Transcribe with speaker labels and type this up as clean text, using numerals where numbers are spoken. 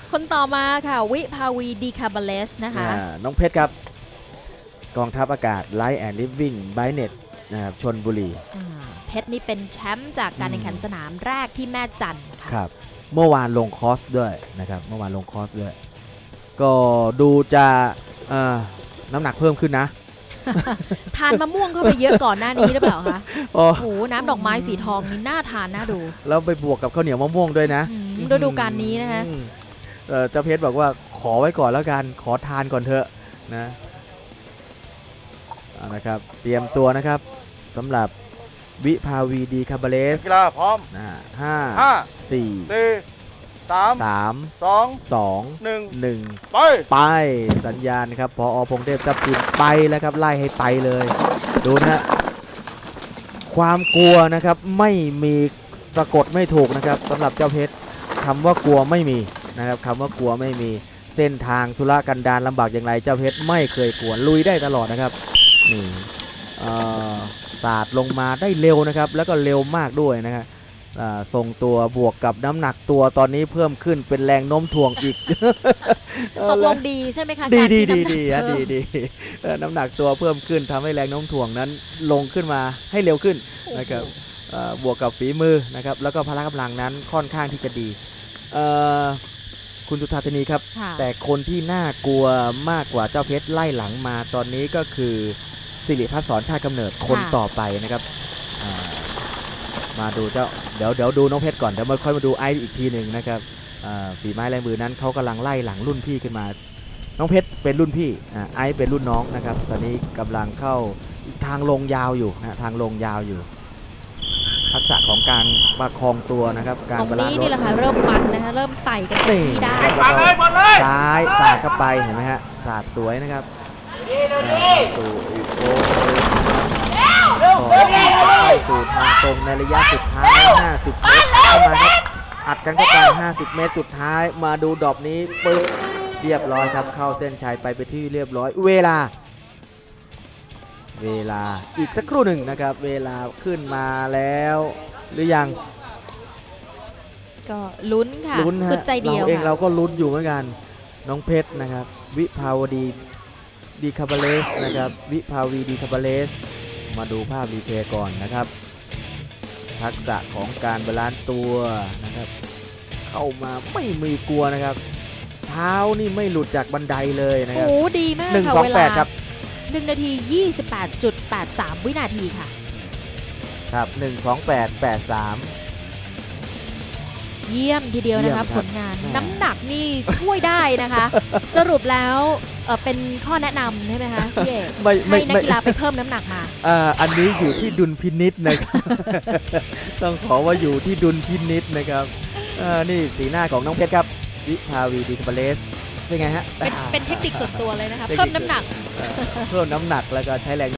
Speaker 1: คนต่อมาค่ะวิภาวีดีคาบาเลสนะคะ
Speaker 2: น้องเพชรครับกองทัพอากาศไลท์แอนด์ลิฟวิ่งไบเน็ตนะครับชลบุรี
Speaker 1: เพชรนี่เป็นแชมป์จากการแข่งขันสนามแรกที่แม่จันทร์
Speaker 2: ครับเมื่อวานลงคอร์สด้วยนะครับเมื่อวานลงคอร์สด้วยก็ดูจะน้ำหนักเพิ่มขึ้นนะ
Speaker 1: ทานมะม่วงเข้าไปเยอะก่อนหน้านี้หรือเปล่าคะโอ้โหน้ำดอกไม้สีทองนี่น่าทานน่าดู
Speaker 2: แล้วไปบวกกับข้าวเหนียวมะม่วงด้วยนะ
Speaker 1: ฤดูกาลนี้นะคะ
Speaker 2: เจ้าเพชรบอกว่าขอไว้ก่อนแล้วกันขอทานก่อนเถอะนะครับเตรียมตัวนะครับสำหรับวิภาวีดีคาบาเลส
Speaker 3: กีฬาพร้อม
Speaker 2: 5 4 3 2 1ไปสัญญาณครับพอพงเทพทัพทิมไปแล้วครับไล่ให้ไปเลยดูนะความกลัวนะครับไม่มีสะกดไม่ถูกนะครับสำหรับเจ้าเพชรคำว่ากลัวไม่มีนะครับคำว่ากลัวไม่มีเส้นทางธุรกันดารลำบากอย่างไรเจ้าเพชรไม่เคยกลัวลุยได้ตลอดนะครับนี่สาดลงมาได้เร็วนะครับแล้วก็เร็วมากด้วยนะครับทรงตัวบวกกับน้ำหนักตัวตอนนี้เพิ่มขึ้นเป็นแรงโน้มถ่วงอีก
Speaker 1: ตกลงดีใช่ไหมคะ
Speaker 2: ดีน้ำหนักตัวเพิ่มขึ้นทำให้แรงโน้มถ่วงนั้นลงขึ้นมาให้เร็วขึ้นนะครับบวกกับฝีมือนะครับแล้วก็พละกำลังนั้นค่อนข้างที่จะดีคุณสุธาธนีครับแต่คนที่น่ากลัวมากกว่าเจ้าเพชรไล่หลังมาตอนนี้ก็คือสิริพัฒน์สอนชาติกำเนิดคนต่อไปนะครับมาดูเดี๋ยวดูน้องเพชรก่อนเดี๋ยวมาค่อยมาดูไอซ์อีกทีหนึ่งนะครับฝีไม้ลายมือนั้นเขากำลังไล่หลังรุ่นพี่ขึ้นมาน้องเพชรเป็นรุ่นพี่ไอซ์เป็นรุ่นน้องนะครับตอนนี้กำลังเข้าทางลงยาวอยู่นะทางลงยาวอยู่ทักษะของการประคองตัวนะครับการ
Speaker 1: ตรงนี้นี่แหละค่ะเริ่มมันนะคะเริ่มใส่กันที่ได้
Speaker 2: ซ้ายสาดเข้าไปเห็นไหมฮะสาดสวยนะครับสู่อีกโค้งสู่ทางตรงในระยะสุดท้าย50 เมตรเข้ามาครับอัดกันเข้าไป50 เมตรสุดท้ายมาดูดอกนี้ปึ๊บเรียบร้อยครับเข้าเส้นชัยไปที่เรียบร้อยเวลาอีกสักครู่หนึ่งนะครับเวลาขึ้นมาแล้วหรือยัง
Speaker 1: ก็ลุ้นค่ะคือใจเดียว
Speaker 2: เราเองเราก็ลุ้นอยู่เหมือนกันน้องเพชรนะครับวิภาวดีดีคาบาเลสนะครับวิภาวีดีคาบาเลสมาดูภาพรีเพย์ก่อนนะครับทักษะของการบาลานซ์ตัวนะครับเข้ามาไม่มีกลัวนะครับเท้านี่ไม่หลุดจากบันไดเลยนะครับ
Speaker 1: โอ้ดีมากค่ะเวลา
Speaker 2: ครับ
Speaker 1: 1 นาที 28.83 วินาทีค่ะ
Speaker 2: ครับ1:28.83
Speaker 1: เยี่ยมทีเดียวนะคะผลงานน้ำหนักนี่ช่วยได้นะคะสรุปแล้วเป็นข้อแนะนำใช่ไหมคะพี่เอกให้นักกีฬาไปเพิ่มน้ำหนักมา
Speaker 2: อันนี้อยู่ที่ดุลพินิจนะครับต้องขอว่าอยู่ที่ดุลพินิจนะครับนี่สีหน้าของน้องเพชรครับวิภาวีดีคาบาเลสเป็นไงฮะ
Speaker 1: เป็นเทคนิคส่วนตัวเลยนะคะเพิ่มน้ำหนัก
Speaker 2: แล้วก็ใช้แรง